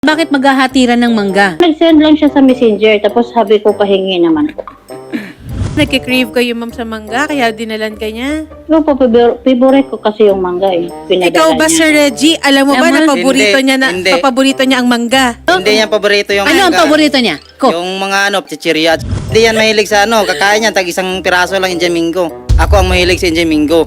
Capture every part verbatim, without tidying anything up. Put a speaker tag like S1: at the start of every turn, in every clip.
S1: Bakit maghahatiran ng mangga?
S2: Nag-send lang siya sa messenger, tapos sabi ko pahingi naman po.
S3: Nagkikrave kayo, ma'am, sa mangga, kaya dinalan ka niya.
S2: Yo po, favorite ko kasi yung mangga eh. Pinadala
S3: Ikaw ba,
S2: niya.
S3: Sir Reggie, alam mo ba
S1: Alam
S3: na
S1: mo?
S3: paborito
S4: Hindi,
S3: niya na
S4: hindi.
S3: paborito niya ang mangga?
S4: Hindi niya paborito yung
S1: Ano ang
S4: mangga.
S1: paborito niya? Ko.
S4: Yung mga ano, chichirya. Hindi yan mahilig sa ano, kakain yan, tag isang piraso lang yung Jamingo. Ako ang mahilig sa Jamingo.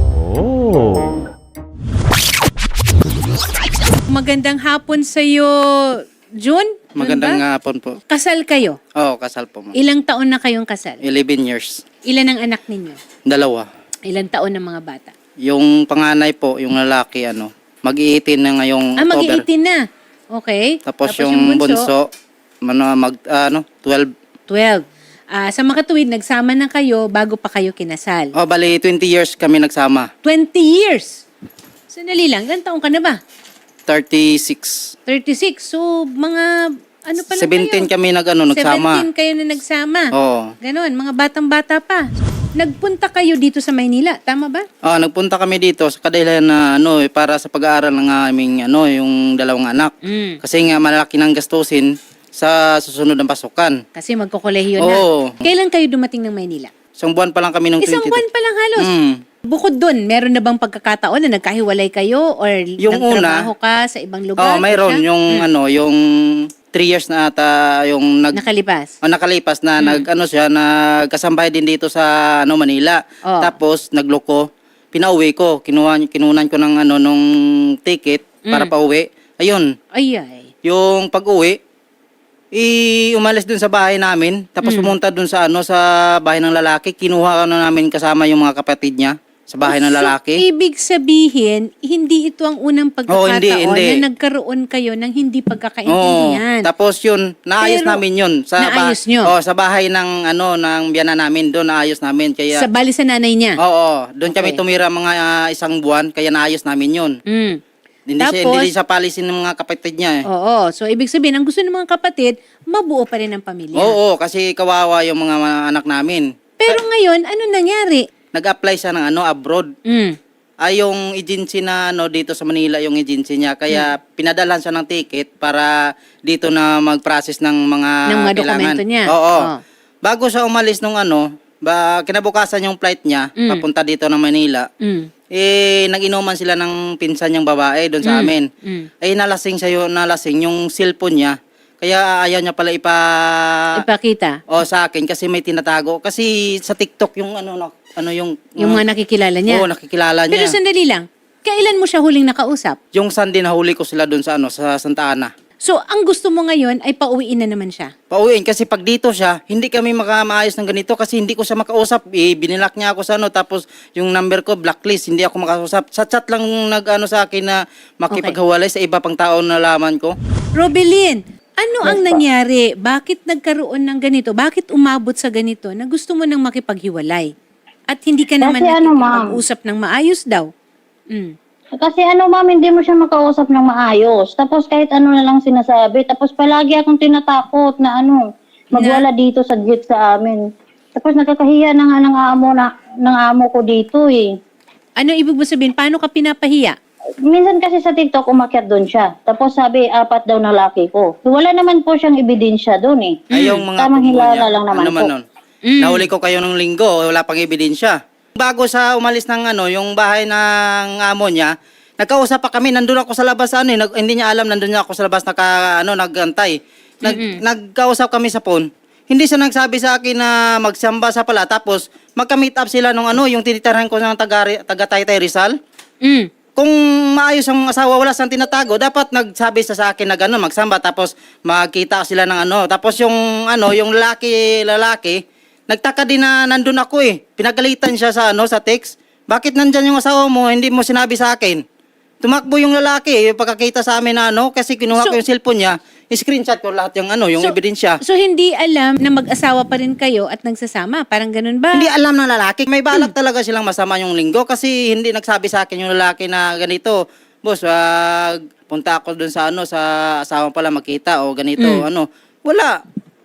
S3: Magandang hapon sa iyo, June. June
S4: Magandang
S3: ba?
S4: hapon po.
S1: Kasal kayo?
S4: Oo, kasal po mo.
S1: Ilang taon na kayong kasal?
S4: eleven years.
S1: Ilan ang anak ninyo?
S4: Dalawa.
S1: Ilang taon ng mga bata?
S4: Yung panganay po, yung lalaki, ano, mag-iitin na ngayong
S1: Ah,
S4: October.
S1: mag-eighteen na. Okay.
S4: Tapos, yung, bunso, ano, mag, ano, twelve.
S1: twelve. Ah, sa makatuwid, nagsama na kayo bago pa kayo kinasal.
S4: Oh, bali, twenty years kami nagsama.
S1: twenty years. Sandali lang, ilang taon ka na ba?
S4: thirty-six.
S1: thirty-six. So, mga, ano pa lang
S4: seventeen
S1: kayo?
S4: kami nag, ano, nagsama.
S1: seventeen kayo na nagsama.
S4: Oo.
S1: Ganon, mga batang-bata pa. Nagpunta kayo dito sa Maynila, tama ba?
S4: Ah, nagpunta kami dito sa kadahilan na ano, eh, para sa pag-aaral ng aming ano, yung dalawang anak.
S1: Mm.
S4: Kasi nga malaki ng gastusin sa susunod ng pasukan.
S1: Kasi magkokolehiyo na.
S4: Oo.
S1: Kailan kayo dumating ng Maynila?
S4: Isang buwan pa lang kami ng
S1: Isang
S4: twenty-two.
S1: buwan pa lang halos.
S4: Mm.
S1: Bukod doon, meron na bang pagkakataon na nagkahiwalay kayo or
S4: Yung
S1: nagtrabaho ka sa ibang lugar?
S4: Oh, mayroon
S1: Siya?
S4: yung ano, yung three years na ata yung nag
S1: Nakalipas.
S4: oh, nakalipas na nag ano siya nagkasambahay din dito sa ano Manila.
S1: Oh.
S4: Tapos nagloko, pinauwi ko, kinuha kinunan ko ng ano nung ticket para pauwi. Ayun,
S1: Ay, ay.
S4: yung pag-uwi, i umalis dun sa bahay namin, tapos pumunta dun sa ano sa bahay ng lalaki, kinuha na namin kasama yung mga kapatid niya sa bahay ng lalaki.
S1: So, ibig sabihin, hindi ito ang unang pagkakataon
S4: Oo, hindi, hindi.
S1: na nagkaroon kayo ng hindi
S4: Oo.
S1: pagkakaintindihan.
S4: Tapos yun, naayos
S1: Pero,
S4: namin yun sa
S1: naayos nyo?
S4: Oh, sa bahay ng ano ng biyana namin, doon naayos namin kaya
S1: Sa bali sa nanay niya?
S4: Oo, doon kami
S1: Okay.
S4: tumira mga ah, isang buwan kaya naayos namin yun.
S1: Mm.
S4: Hindi siya
S1: Tapos-
S4: hindi siya palisin ng mga kapatid niya eh.
S1: Oo. So, ibig sabihin, ang gusto ng mga kapatid, mabuo pa rin ang pamilya.
S4: Oo, kasi kawawa yung mga, mga anak namin.
S1: Pero ngayon, ano nangyari?
S4: Nag-apply siya ng ano abroad.
S1: Mm.
S4: Ay yung agency na ano dito sa Manila yung agency niya kaya
S1: Hmm.
S4: pinadalhan siya ng ticket para dito na mag-process ng mga
S1: Ng mga
S4: kailangan.
S1: dokumento niya.
S4: Oo.
S1: Oh.
S4: Bago siya umalis nung ano, ba kinabukasan yung flight niya
S1: Mm.
S4: papunta dito ng Manila.
S1: Mm.
S4: Eh nag-inuman sila ng pinsan niyang babae doon sa
S1: Mm.
S4: amin.
S1: Mm.
S4: Ay nalasing siya yun, nalasing yung cellphone niya. Kaya ayaw niya pala ipa
S1: Ipakita.
S4: o sa akin kasi may tinatago kasi sa TikTok yung ano no, ano yung
S1: Yung mga nakikilala niya.
S4: Oo, nakikilala niya.
S1: Pero sandali lang, kailan mo siya huling nakausap?
S4: Yung Sunday na huli ko sila doon sa ano sa Santa Ana.
S1: So, ang gusto mo ngayon ay pauwiin na naman siya.
S4: Pauwiin kasi pag dito siya, hindi kami makamaayos ng ganito kasi hindi ko siya makausap. Eh, binilak niya ako sa ano tapos yung number ko blacklist, hindi ako makausap. Sa chat lang nag-ano sa akin na makipaghiwalay sa iba pang tao na nalaman ko.
S1: Robelin, ano ang nangyari? Bakit nagkaroon ng ganito? Bakit umabot sa ganito na gusto mo nang makipaghiwalay? At hindi ka naman
S2: Kasi ano, ma'am?
S1: nakikipag-usap ng maayos daw. Mm.
S2: Kasi ano ma'am, hindi mo siya makausap ng maayos. Tapos kahit ano na lang sinasabi. Tapos palagi akong tinatakot na ano, magwala dito sa jet sa amin. Tapos nakakahiya na nga ng amo, na, ng amo ko dito eh.
S1: Ano ibig mo sabihin? Paano ka pinapahiya?
S2: Minsan kasi sa TikTok, umakyat doon siya. Tapos sabi, apat daw na laki ko. Wala naman po siyang ebidensya doon eh.
S4: Ay, yung mga
S2: Tamang
S4: pagmo
S2: hilala
S4: niya,
S2: lang naman
S4: ano man
S2: po.
S4: nun.
S1: Mm.
S4: Nahuli ko kayo ng linggo, wala pang ebidensya. Bago sa umalis ng ano, yung bahay ng amo niya, nagkausap pa kami, nandun ako sa labas ano, eh, nag, hindi niya alam nandun niya ako sa labas naka ano, nagantay. Nag, nagkausap kami sa phone. Hindi siya nagsabi sa akin na magsamba sa pala tapos magka-meet up sila nung ano, yung tinitirhan ko ng taga taga Taytay Rizal.
S1: Mm.
S4: Kung maayos ang asawa, wala siyang tinatago, dapat nagsabi sa sa akin na gano'n, magsamba, tapos magkita sila ng ano. Tapos yung ano, yung lalaki, lalaki, nagtaka din na nandun ako eh. Pinagalitan siya sa ano, sa text. Bakit nandyan yung asawa mo, hindi mo sinabi sa akin? Tumakbo yung lalaki, yung pagkakita sa amin na ano, kasi kinuha
S1: So-
S4: ko yung cellphone niya, screenshot ko lahat yung ano, yung
S1: So-
S4: ebidensya.
S1: So, hindi alam na mag-asawa pa rin kayo at nagsasama? Parang ganun ba?
S4: Hindi alam ng lalaki. May balak talaga silang masama yung linggo kasi hindi nagsabi sa akin yung lalaki na ganito. Boss, wag punta ako dun sa ano sa asawa pala makita o ganito
S1: Mm.
S4: ano. Wala.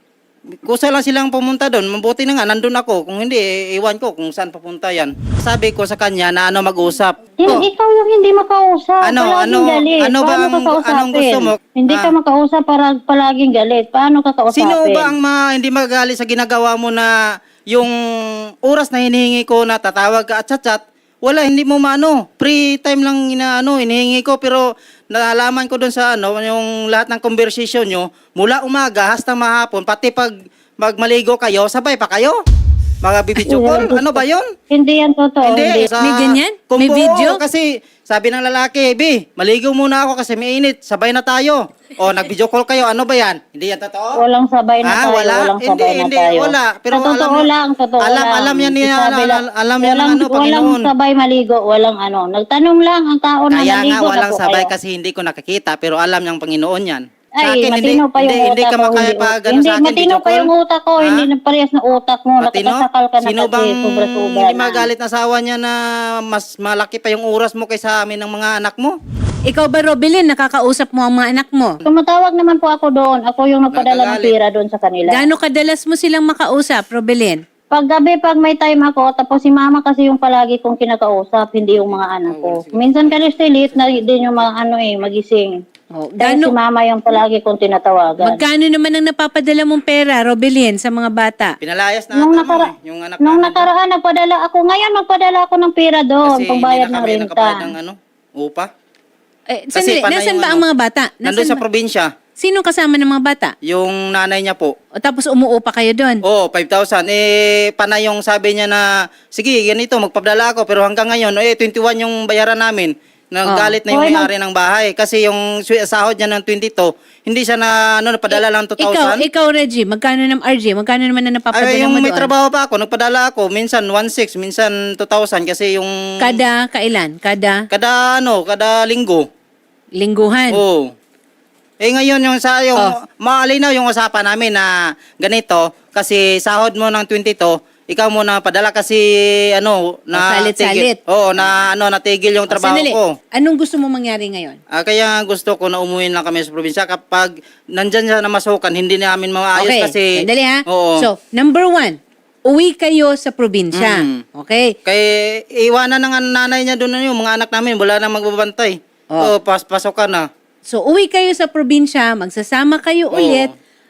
S4: Kusa lang silang pumunta doon. Mabuti na nga, nandun ako. Kung hindi, eh, iwan ko kung saan papunta yan. Sabi ko sa kanya na ano mag-usap.
S2: Hin-
S4: Oh,
S2: Ikaw yung hindi makausap.
S4: Ano,
S2: palaging
S4: ano,
S2: galit.
S4: ano ba
S2: Paano
S4: ang-
S2: ka kausapin?
S4: anong gusto mo?
S2: Hindi ka
S4: Ah.
S2: makausap para palaging galit. Paano ka kausapin?
S4: sino ba ang ma, hindi magalit sa ginagawa mo na yung oras na hinihingi ko na tatawag ka at chat-chat, wala, hindi mo maano. Free time lang inaano, hinihingi ko, pero nalaman ko doon sa ano, yung lahat ng conversation nyo, mula umaga hasta mahapon, pati pag magmaligo kayo, sabay pa kayo? Mga bibidyo call, ano ba yun?
S2: Hindi yan totoo. Hindi.
S4: Sa,
S1: May ganyan?
S4: kung
S1: May
S4: buo,
S1: video?
S4: Kasi sabi ng lalaki, B, maligo muna ako kasi may init, sabay na tayo. O, nag-video call kayo, ano ba yan? Hindi yan totoo?
S2: Walang sabay na
S4: Ah,
S2: tayo.
S4: wala?
S2: Walang
S4: Hindi,
S2: sabay na
S4: hindi,
S2: tayo.
S4: wala. Pero
S2: Sa totoo
S4: alam-
S2: lang, totoo
S4: alam-
S2: lang.
S4: alam yan ni-
S2: Sabi
S4: al-
S2: lang,
S4: al- alam yan ng
S2: walang,
S4: ano,
S2: walang
S4: Panginoon.
S2: sabay maligo, walang ano. Nagtanong lang ang tao na
S4: Kaya
S2: maligo
S4: nga, walang
S2: na po
S4: sabay
S2: kayo.
S4: kasi hindi ko nakikita, pero alam niyang Panginoon yan. Sa
S2: Ay,
S4: akin,
S2: matino pa yung
S4: hindi,
S2: utak
S4: hindi ka
S2: ko.
S4: makaya
S2: Hindi,
S4: pa gano'n
S2: hindi,
S4: sa akin,
S2: matino
S4: video
S2: pa
S4: call.
S2: yung utak ko.
S4: Ha?
S2: Hindi na parehas na utak mo.
S4: Matino?
S2: Nakatasakal ka na
S4: Sino
S2: kasi.
S4: bang
S2: Sobra-sobra
S4: hindi
S2: na.
S4: magalit na asawa niya na mas malaki pa yung oras mo kaysa amin ng mga anak mo?
S1: Ikaw ba, Robilin, nakakausap mo ang mga anak mo?
S2: Tumatawag naman po ako doon. Ako yung nagpadala ng
S4: Nagagalit.
S2: pira doon sa kanila.
S1: Gaano kadalas mo silang makausap, Robilin?
S2: Pag gabi, pag may time ako, tapos si mama kasi yung palagi kong kinakausap, hindi yung mga anak ko. Minsan kasi late na din yung mga ano eh, magising.
S1: Oh,
S2: Kaya si
S1: gaano,
S2: mama yung palagi kong tinatawagan.
S1: magkano naman ang napapadala mong pera, Robilin, sa mga bata?
S4: Pinalayas na
S2: Nung,
S4: ata mo
S2: nakara
S4: eh, yung anak
S2: nung
S4: namin.
S2: nakaraan, nagpadala ako. Ngayon, magpadala ako ng pera doon,
S4: Kasi
S2: pangbayad
S4: hindi na
S2: ng
S4: kami
S2: renta.
S4: nakabayad ng ano, upa.
S1: Eh,
S4: Kasi
S1: sandali,
S4: panay
S1: nasan
S4: yung
S1: ba
S4: ano,
S1: ang mga bata?
S4: Nandun
S1: Nasan
S4: sa
S1: ba?
S4: probinsya,
S1: Sino kasama ng mga bata?
S4: yung nanay niya po.
S1: O tapos umuupa kayo doon?
S4: Oo, oh, five thousand. Eh, panay yung sabi niya na, sige, ganito, magpadala ako. Pero hanggang ngayon, eh, twenty-one yung bayaran namin. Nagalit na yung
S2: Oh,
S4: may-ari ng bahay. Kasi yung swi- sahod niya ng twenty-two, hindi siya na, ano, napadala lang two
S1: Ikaw,
S4: thousand.
S1: ikaw, Reggie, magkano ng R J? Magkano naman na napapadala
S4: Ay, yung
S1: mo
S4: may
S1: doon?
S4: trabaho pa ako, nagpadala ako. Minsan one six, minsan two thousand. Kasi yung...
S1: Kada kailan? Kada
S4: Kada, ano, kada linggo.
S1: lingguhan?
S4: Oo. Eh ngayon yung sa yung
S1: Oh.
S4: maalinaw yung usapan namin na ganito kasi sahod mo ng twenty-two, ikaw muna padala kasi ano na
S1: salit-salit.
S4: tigil- Oo, na ano natigil yung
S1: O,
S4: trabaho
S1: sandali.
S4: ko.
S1: Anong gusto mo mangyari ngayon?
S4: Ah, kaya gusto ko na umuwi lang kami sa probinsya kapag nandyan siya na masukan, hindi namin maayos
S1: Okay,
S4: kasi
S1: sandali ha.
S4: Oo.
S1: So, number one, uwi kayo sa probinsya.
S4: Mm.
S1: Okay?
S4: kay iwanan ng nanay niya doon yung mga anak namin, wala nang magbabantay.
S1: Oh.
S4: Oh, pas pasokan na.
S1: So, uwi kayo sa probinsya, magsasama kayo
S4: Oo.
S1: ulit,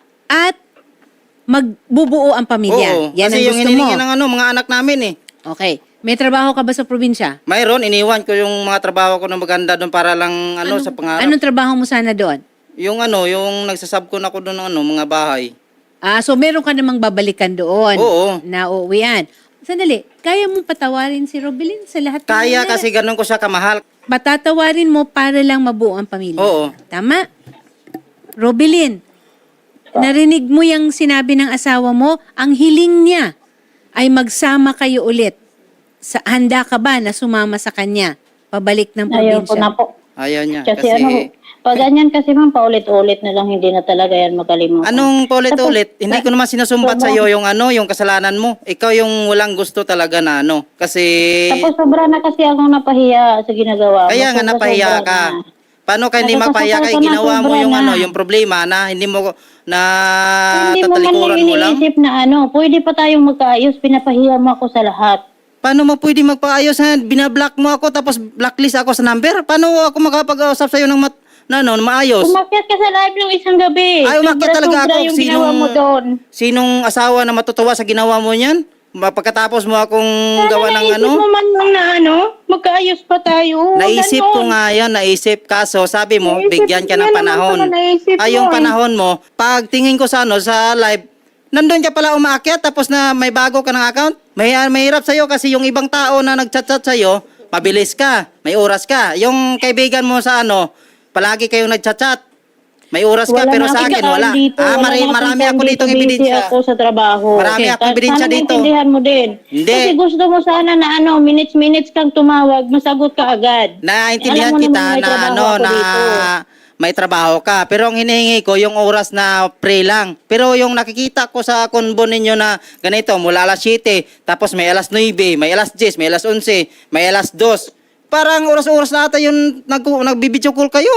S1: at magbubuo ang pamilya.
S4: Oo,
S1: Yan ang
S4: kasi yung
S1: gusto mo.
S4: hinihingi ng ano, mga anak namin eh.
S1: Okay. May trabaho ka ba sa probinsya?
S4: Mayroon, iniwan ko yung mga trabaho ko na maganda doon para lang ano, sa pangarap.
S1: Anong trabaho mo sana doon?
S4: Yung ano, yung nagsasabkon ako doon ng ano, mga bahay.
S1: Ah, so meron ka namang babalikan doon.
S4: Oo.
S1: Na uuwian. Sandali, kaya mong patawarin si Robilin sa lahat ng
S4: Kaya
S1: nangyari?
S4: kasi ganun ko siya kamahal.
S1: Patatawarin mo para lang mabuo ang pamilya.
S4: Oo.
S1: Tama? Robilin, narinig mo yung sinabi ng asawa mo, ang hiling niya ay magsama kayo ulit. Sa, handa ka ba na sumama sa kanya? Pabalik ng
S2: Ayaw ko
S1: probinsya?
S2: na po.
S4: Ayaw niya.
S2: Kasi,
S4: Kasi,
S2: ano, pag ganyan kasi ma'am, paulit-ulit na lang, hindi na talaga yan makalimutan.
S4: anong paulit-ulit? Hindi ko naman sinusumbat
S2: Sobrang-
S4: sa iyo yung ano, yung kasalanan mo. Ikaw yung walang gusto talaga na ano. Kasi,
S2: Tapos sobra na kasi akong napahiya sa ginagawa. mo.
S4: kaya nga
S2: Sobra,
S4: napahiya
S2: sobra
S4: ka.
S2: na.
S4: Paano ka hindi
S2: Nakakasakal
S4: mapahiya ka?
S2: ka na,
S4: Ginawa mo
S2: sobra
S4: yung
S2: na.
S4: ano, yung problema na hindi mo na
S2: Hindi mo man lang
S4: tatalikuran mo lang.
S2: iniisip na ano, pwede pa tayong magkaayos, pinapahiya mo ako sa lahat.
S4: Paano mo pwede magpaayos ha? Binablock mo ako tapos blacklist ako sa number? Paano ako makapag-usap sa'yo ng mat na ano, maayos?
S2: Umakyat ka sa live ng isang gabi.
S4: Ay, umakyat
S2: Sobra,
S4: talaga
S2: sobra
S4: ako.
S2: yung
S4: Sinong-
S2: ginawa mo doon.
S4: Sinong asawa na matutuwa sa ginawa mo niyan? Ma- Pagkatapos mo akong
S2: Sana
S4: gawa ng
S2: naisip
S4: ano?
S2: mo man lang na ano, magkaayos pa tayo.
S4: Naisip
S2: Ganon.
S4: ko nga yan, naisip. Kaso sabi mo,
S2: Naisip-
S4: bigyan ka ng
S2: yan naman
S4: panahon.
S2: pala naisip
S4: Ay,
S2: mo
S4: yung
S2: eh.
S4: panahon mo, pag tingin ko sa ano, sa live, nandun ka pala umaakyat tapos na may bago ka ng account. May, mahirap sa'yo kasi yung ibang tao na nagchat-chat sa'yo, mabilis ka, may oras ka. Yung kaibigan mo sa ano, palagi kayong nagchat-chat. May oras ka,
S2: Wala
S4: pero
S2: na
S4: sa
S2: akong
S4: akin
S2: time
S4: wala.
S2: Dito.
S4: Ah,
S2: Wala
S4: mari,
S2: na akong
S4: marami
S2: time
S4: ako dito
S2: Busy
S4: ebidensya.
S2: ako sa trabaho.
S4: Marami akong
S2: Sana
S4: ebidensya dito.
S2: maintindihan mo din.
S4: Hindi.
S2: Kasi gusto mo sana na ano, minutes-minutes kang tumawag, masagot ka agad.
S4: Naintindihan
S2: Alam mo
S4: kita
S2: naman may
S4: na
S2: trabaho
S4: ano
S2: ako
S4: na
S2: dito.
S4: may trabaho ka. Pero ang hinihingi ko yung oras na pre lang. Pero yung nakikita ko sa konbo ninyo na ganito, mula alas siyete, tapos may alas nuwebe, may alas diyes, may alas onse, may alas dos. Parang oras-oras na ata yung nag nagbibideo call kayo ah.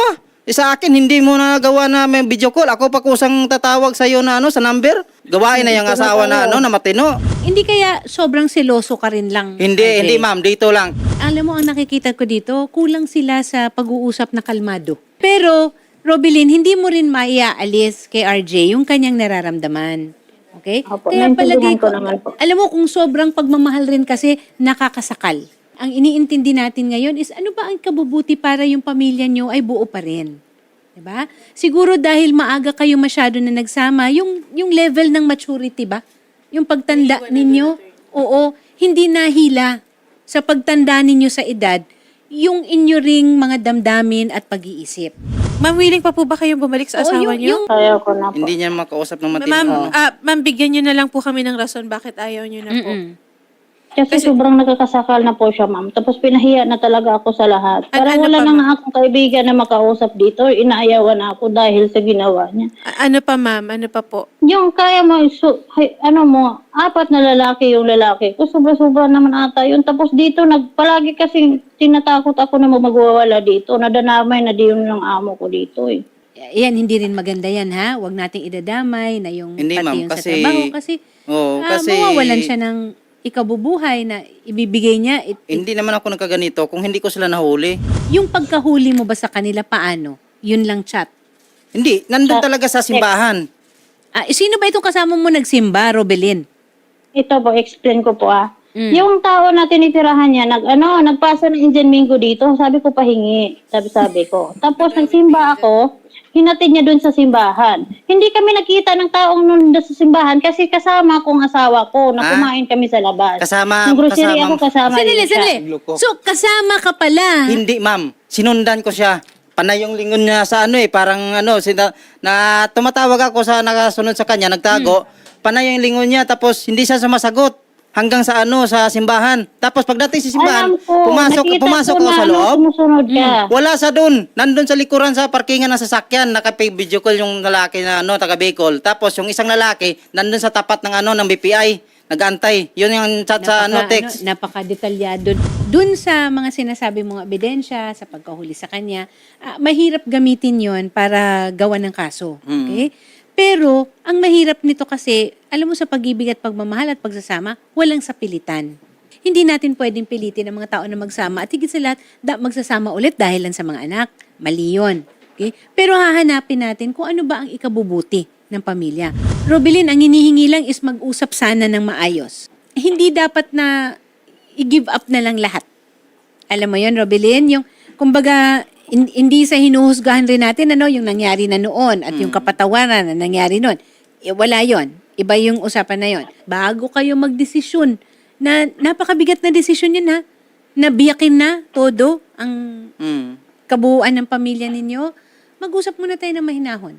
S4: Eh, sa akin, hindi mo nagawa na may video call. Ako pa kusang tatawag sa'yo na ano, sa number. Gawain na yung asawa na ano, na matino.
S1: Hindi kaya sobrang seloso ka rin lang?
S4: Hindi,
S1: R J?
S4: hindi ma'am, dito lang.
S1: Alam mo, ang nakikita ko dito, kulang sila sa pag-uusap na kalmado. Pero, Robilin, hindi mo rin maiaalis kay R J yung kanyang nararamdaman. Okay?
S2: Opo,
S1: Kaya
S2: naintindihan
S1: palagay
S2: ko
S1: ko,
S2: naman po.
S1: alam mo, kung sobrang pagmamahal rin kasi, nakakasakal. Ang iniintindi natin ngayon is ano ba ang kabubuti para yung pamilya nyo ay buo pa rin. Diba? Siguro dahil maaga kayo masyado na nagsama, yung, yung level ng maturity ba? Yung pagtanda ninyo, oo, hindi nahila sa pagtanda ninyo sa edad, yung inyo ring mga damdamin at pag-iisip.
S3: Ma'am, willing pa po ba kayong bumalik sa
S1: Oo,
S3: asawa
S1: yung-
S3: niyo?
S1: yung-
S2: Kaya ko na po.
S4: Hindi niya makausap ng matino.
S3: Ma'am,
S4: ano.
S3: ah, ma'am, bigyan niyo na lang po kami ng rason bakit ayaw niyo na po.
S1: Mm-mm.
S2: Kasi, sobrang nagkakasakal na po siya, ma'am. Tapos pinahiya na talaga ako sa lahat.
S3: At
S2: Parang
S3: ano
S2: wala
S3: pa,
S2: na
S3: ma'am?
S2: nga akong kaibigan na makausap dito. Inaayawan na ako dahil sa ginawa niya.
S3: A- ano pa, ma'am? Ano pa po?
S2: Yung kaya mo, su- hay- ano mo, apat na lalaki yung lalaki ko. Sobra-sobra naman ata yun. Tapos dito, nagpalagi kasi tinatakot ako na magwawala dito. Nadanamay na di yun ng amo ko dito eh.
S1: Yan, hindi rin maganda yan, ha? Huwag nating idadamay na yung
S4: Hindi,
S1: pati
S4: ma'am,
S1: yung
S4: kasi-
S1: sa trabaho. Kasi,
S4: Oo,
S1: ah,
S4: kasi-
S1: mawawalan siya ng ikabubuhay na ibibigay niya. It-
S4: Hindi naman ako nagkaganito kung hindi ko sila nahuli.
S1: yung pagkahuli mo ba sa kanila, paano? Yun lang chat.
S4: Hindi, nandun
S2: Sa-
S4: talaga sa simbahan.
S1: Ah, sino ba itong kasama mo nagsimba, Robelin?
S2: Ito po, explain ko po ah.
S1: Mm.
S2: Yung tao na tinitirahan niya, nag, ano, nagpasa ng Indian Mingo dito, sabi ko pahingi, sabi-sabi ko. Tapos nagsimba ako, hinatid niya dun sa simbahan. Hindi kami nakita ng taong nun doon sa simbahan kasi kasama kong asawa ko na
S4: Ah?
S2: kumain kami sa labas.
S4: Kasama-
S2: Ng grocery
S4: kasama-
S2: ako kasama
S1: Sandali,
S2: din siya.
S1: sandali.
S4: Loko.
S1: So, kasama ka pala.
S4: Hindi, ma'am. Sinundan ko siya. Panay yung lingon niya sa ano eh, parang ano, sina, na tumatawag ako sa nakasunod sa kanya, nagtago. Panay yung lingon niya, tapos hindi siya sumasagot hanggang sa ano, sa simbahan. Tapos pagdating sa simbahan,
S2: Alam ko,
S4: pumasok,
S2: nakita
S4: pumasok
S2: ko
S4: ako
S2: na,
S4: sa
S2: ano,
S4: loob.
S2: sumusunod ka.
S4: Wala sa doon. Nandun sa likuran sa parkingan ng sasakyan, naka-video call yung lalaki na ano, taga Bicol. Tapos yung isang lalaki, nandun sa tapat ng ano, ng B P I, nag-antay. Yun yung chat sa ano, text.
S1: Ano, napaka-detalyado. Dun sa mga sinasabi mong ebidensya, sa pagkahuli sa kanya, ah, mahirap gamitin yon para gawa ng kaso. Okay? Pero, ang mahirap nito kasi, alam mo sa pag-ibig at pagmamahal at pagsasama, walang sapilitan. Hindi natin pwedeng pilitin ang mga tao na magsama at higit sa lahat, da, magsasama ulit dahil lang sa mga anak. Mali yun. Okay? Pero hahanapin natin kung ano ba ang ikabubuti ng pamilya. Robilin, ang hinihingi lang is mag-usap sana ng maayos. Hindi dapat na i-give up na lang lahat. Alam mo yon, Robilin? Yung, kumbaga, in- hindi sa hinuhusgahan rin natin ano, yung nangyari na noon at yung kapatawaran na nangyari noon. Eh, wala yon. Iba yung usapan na yon. Bago kayo magdesisyon, na napakabigat na desisyon yun ha, nabiyakin na todo ang
S4: Mm.
S1: kabuuan ng pamilya ninyo, mag-usap muna tayo ng mahinahon.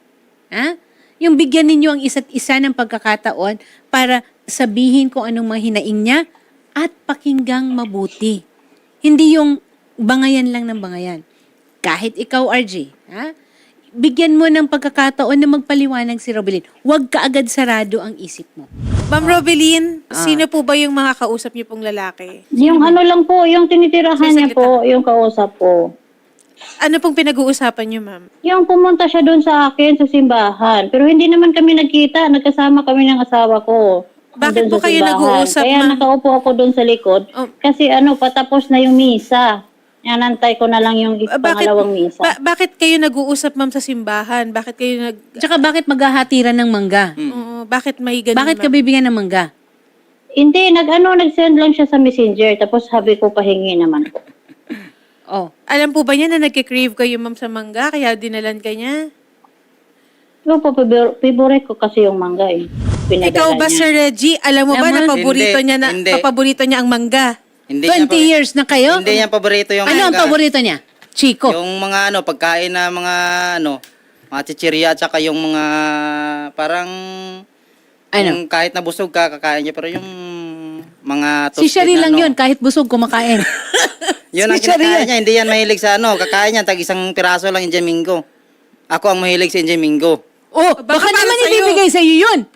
S1: Ha? Yung bigyan ninyo ang isa't isa ng pagkakataon para sabihin kung anong mga hinaing niya at pakinggang mabuti. Hindi yung bangayan lang ng bangayan. Kahit ikaw, R J, ha? Bigyan mo ng pagkakataon na magpaliwanag si Robelin. Huwag ka agad sarado ang isip mo.
S3: Ma'am Robeline,
S1: Ah.
S3: sino po ba yung mga kausap niyo pong lalaki?
S2: Yung ano lang po, yung tinitirahan niya
S3: Sasalita.
S2: po, yung kausap ko.
S3: Ano pong pinag-uusapan niyo, ma'am?
S2: Yung pumunta siya doon sa akin sa simbahan. Pero hindi naman kami nagkita. Nagkasama kami ng asawa ko.
S3: Bakit
S2: Doon
S3: po
S2: sa
S3: kayo
S2: simbahan.
S3: nag-uusap,
S2: Kaya
S3: ma'am?
S2: nakaupo ako doon sa likod.
S3: Oh.
S2: Kasi ano, patapos na yung misa. Yanantay ko na lang yung
S3: Ah, bakit,
S2: pangalawang misa.
S3: ba- bakit kayo nag-uusap, ma'am, sa simbahan? Bakit kayo nag...
S1: Tsaka bakit maghahatiran ng mangga?
S3: Oo, bakit may ganun,
S1: Bakit ka
S3: ma'am?
S1: bibigyan ng mangga?
S2: Hindi, nag-ano, nag-send lang siya sa messenger. Tapos sabi ko, pahingi naman po.
S1: Oh.
S3: Alam po ba niya na nagkikrave kayo, ma'am, sa mangga? Kaya dinalan ka niya?
S2: Yung po, pabor- favorite ko kasi yung mangga eh. Pinadala
S3: Ikaw ba,
S2: niya.
S3: Sir Reggie? Alam mo ba
S1: Alam
S3: na
S1: mo-
S3: paborito
S4: Hindi,
S3: niya na
S4: hindi.
S3: paborito niya ang mangga?
S4: Hindi
S1: twenty
S4: niya,
S1: years na kayo?
S4: Hindi niya paborito yung
S1: Ano ang
S4: mangga.
S1: paborito niya? Chico.
S4: Yung mga ano, pagkain na mga ano, mga chichirya at saka yung mga parang
S1: Ano?
S4: yung kahit nabusog ka, kakain niya. Pero yung mga
S1: Si
S4: toasted
S1: Shari
S4: na,
S1: lang
S4: ano,
S1: yun, kahit busog kumakain.
S4: Yun ang
S1: Si Shari
S4: kinakain
S1: yan.
S4: niya. Hindi yan mahilig sa ano. Kakain niya, tag isang piraso lang Injamingo. Ako ang mahilig sa Injamingo.
S1: Oh,
S3: Baka
S1: baka,
S3: para
S1: naman
S3: sa'yo.
S1: ibibigay sa iyo yun.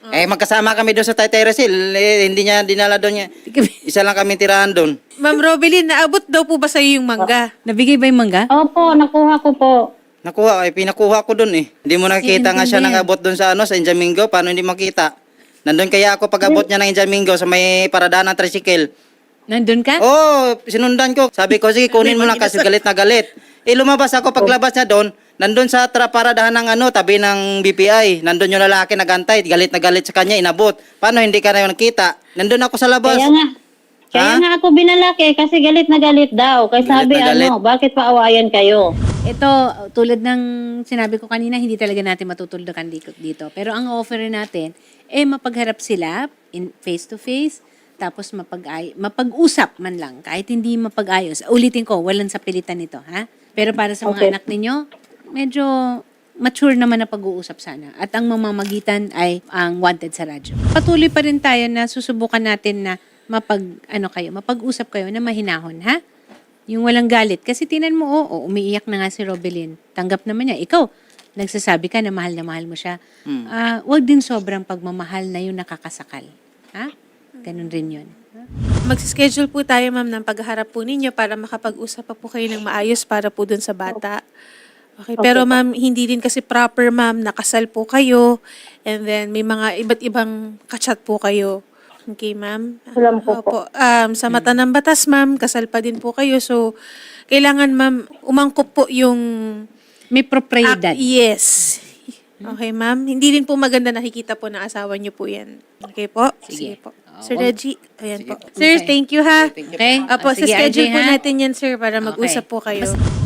S4: Eh, magkasama kami doon sa Taytay Rizal. Eh, hindi niya dinala doon niya. Isa lang kami tirahan doon.
S3: Ma'am Robilin, naabot daw po ba sa'yo yung mangga?
S1: Nabigay ba yung mangga?
S2: Opo, nakuha ko po.
S4: Nakuha, eh, pinakuha ko doon eh. Hindi mo nakita nga siya
S1: Iintindihan.
S4: nang abot doon sa ano, sa Injamingo. Paano hindi makita? Nandun kaya ako pag abot niya ng Injamingo sa may paradaan ng tricycle.
S1: Nandun ka?
S4: Oh, sinundan ko. Sabi ko, sige, kunin mo lang kasi galit na galit. Eh, lumabas ako. Paglabas niya doon, nandun sa tra- paradahan ng ano, tabi ng B P I. Nandun yung lalaki nagantay. Galit na galit sa kanya, inabot. Paano hindi ka na nakita? Nandun ako sa labas.
S2: Kaya nga, kaya
S4: Ha?
S2: nga ako binalak eh, kasi galit na galit daw. Kaya
S4: Galit
S2: sabi
S4: na galit.
S2: ano, bakit paawayan kayo?
S1: Ito, tulad ng sinabi ko kanina, hindi talaga natin matutuldukan dito. dito. Pero ang offer natin, eh mapagharap sila in face to face, tapos mapag mapag-usap man lang, kahit hindi mapag-ayos. Ulitin ko, walang sapilitan nito, ha? Pero para sa mga
S2: Okay.
S1: anak ninyo, medyo mature naman na pag-uusap sana. At ang mamamagitan ay ang wanted sa radyo. Patuloy pa rin tayo na susubukan natin na mapag, ano kayo, mapag-usap kayo na mahinahon, ha? Yung walang galit. Kasi tinan mo, oo, umiiyak na nga si Robelin. Tanggap naman niya. Ikaw, nagsasabi ka na mahal na mahal mo siya.
S4: Hmm.
S1: Ah, wag din sobrang pagmamahal na yung nakakasakal. Ha? Ganun rin yun.
S3: Magsischedule po tayo, ma'am, ng pagharap po ninyo para makapag-usap pa po kayo ng maayos para po dun sa bata. Okay, pero ma'am, hindi din kasi proper, ma'am, nakasal po kayo and then may mga iba't ibang kachat po kayo. Okay, ma'am?
S2: Alam ko po.
S3: Opo. Um, sa mata ng batas, ma'am, kasal pa din po kayo. So, kailangan, ma'am, umangkop po yung...
S1: May propriedad.
S3: Ak- yes. Okay, ma'am. Hindi rin po maganda nakikita po ng asawa niyo po yan. Okay po? Sige, po. Sir Reggie, ayan po. Sir,
S1: Okay.
S3: thank you ha.
S1: Okay?
S3: Apo,
S1: Ah,
S3: sa
S1: sige,
S3: schedule
S1: R J,
S3: po
S1: ha?
S3: natin yan, sir, para mag-usap
S1: Okay.
S3: po kayo.
S1: Basta-